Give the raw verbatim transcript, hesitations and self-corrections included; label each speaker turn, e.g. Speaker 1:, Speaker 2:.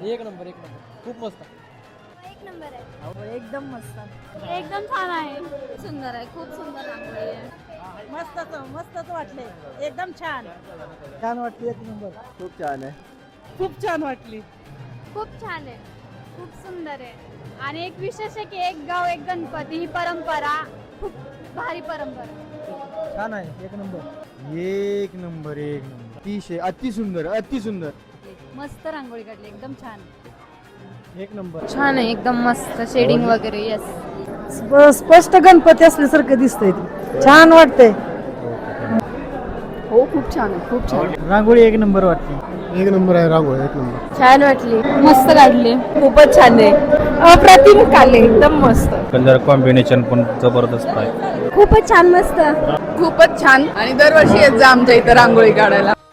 Speaker 1: एक नंबर एक नंबर खूप मस्त
Speaker 2: एक नंबर आहे
Speaker 3: एकदम मस्त
Speaker 2: एकदम छान आहे सुंदर आहे खूप सुंदर रांगोळी आहे
Speaker 3: मस्तच मस्तच वाटले एकदम छान
Speaker 1: छान वाटली एक नंबर
Speaker 4: खूप छान आहे
Speaker 3: खूप छान वाटली
Speaker 2: खूप छान आहे खूप सुंदर आहे आणि एक विशेष आहे की एक गाव एक गणपती ही परंपरा खूप भारी परंपरा
Speaker 1: छान आहे एक नंबर
Speaker 4: एक नंबर एक नंबर अतिशय अति सुंदर अति सुंदर
Speaker 3: मस्त रांगोळी काढली एकदम छान
Speaker 1: एक नंबर
Speaker 5: छान आहे एकदम मस्त शेडिंग वगैरे यस
Speaker 3: स्पष्ट गणपती असल्यासारखं दिसतंय छान वाटतंय
Speaker 5: हो खूप छान आहे खूप छान
Speaker 1: रांगोळी एक नंबर वाटली
Speaker 4: एक नंबर आहे रांगोळी एक नंबर
Speaker 5: छान वाटली मस्त काढली खूपच छान आहे अप्रतिम काढले एकदम मस्त
Speaker 6: कलर कॉम्बिनेशन पण जबरदस्त आहे
Speaker 5: खूपच छान मस्त खूपच छान आणि दरवर्षी येत जा आमच्या इथं रांगोळी काढायला